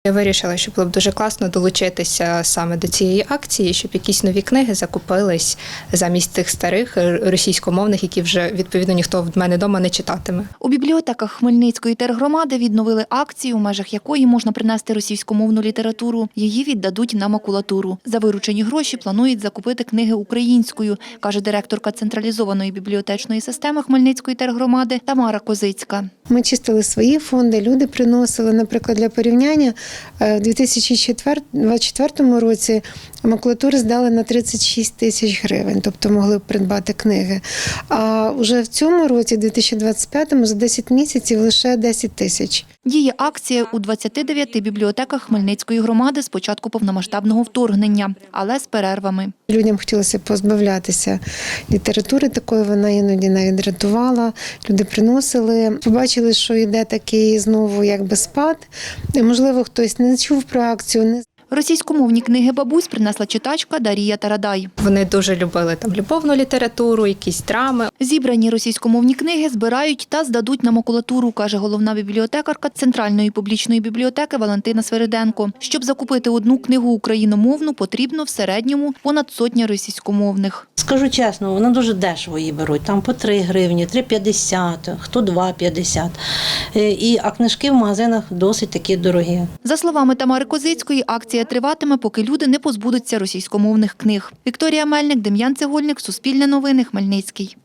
Я вирішила, що було б дуже класно долучитися саме до цієї акції, щоб якісь нові книги закупились замість тих старих російськомовних, які вже, відповідно, ніхто в мене вдома не читатиме. У бібліотеках Хмельницької тергромади відновили акцію, у межах якої можна принести російськомовну літературу. Її віддадуть на макулатуру. За виручені гроші планують закупити книги українською, каже директорка централізованої бібліотечної системи Хмельницької тергромади Тамара Козицька. Ми чистили свої фонди, люди приносили, наприклад, для порівняння, у 2024 році макулатури здали на 36 тисяч гривень, тобто могли б придбати книги. А вже в цьому році, 2025-му, за 10 місяців лише 10 тисяч. Діє акція у 29 бібліотеках Хмельницької громади з початку повномасштабного вторгнення, але з перервами. Людям хотілося позбавлятися літератури такої, вона іноді навіть дратувала. Люди приносили, побачили, що йде такий знову якби спад. І, можливо, хтось не чув про акцію. Російськомовні книги бабусь принесла читачка Дарія Тарадай. Вони дуже любили любовну літературу, якісь драми. Зібрані російськомовні книги збирають та здадуть на макулатуру, каже головна бібліотекарка Центральної публічної бібліотеки Валентина Свириденко. Щоб закупити одну книгу україномовну, потрібно в середньому понад 100 російськомовних. Скажу чесно, вона дуже дешево її беруть, там по 3 гривні, 3,50, хто 2,50. А книжки в магазинах досить такі дорогі. За словами Тамари Козицької, акція триватиме, поки люди не позбудуться російськомовних книг. Вікторія Мельник, Дем'ян Цегольник, Суспільне новини, Хмельницький.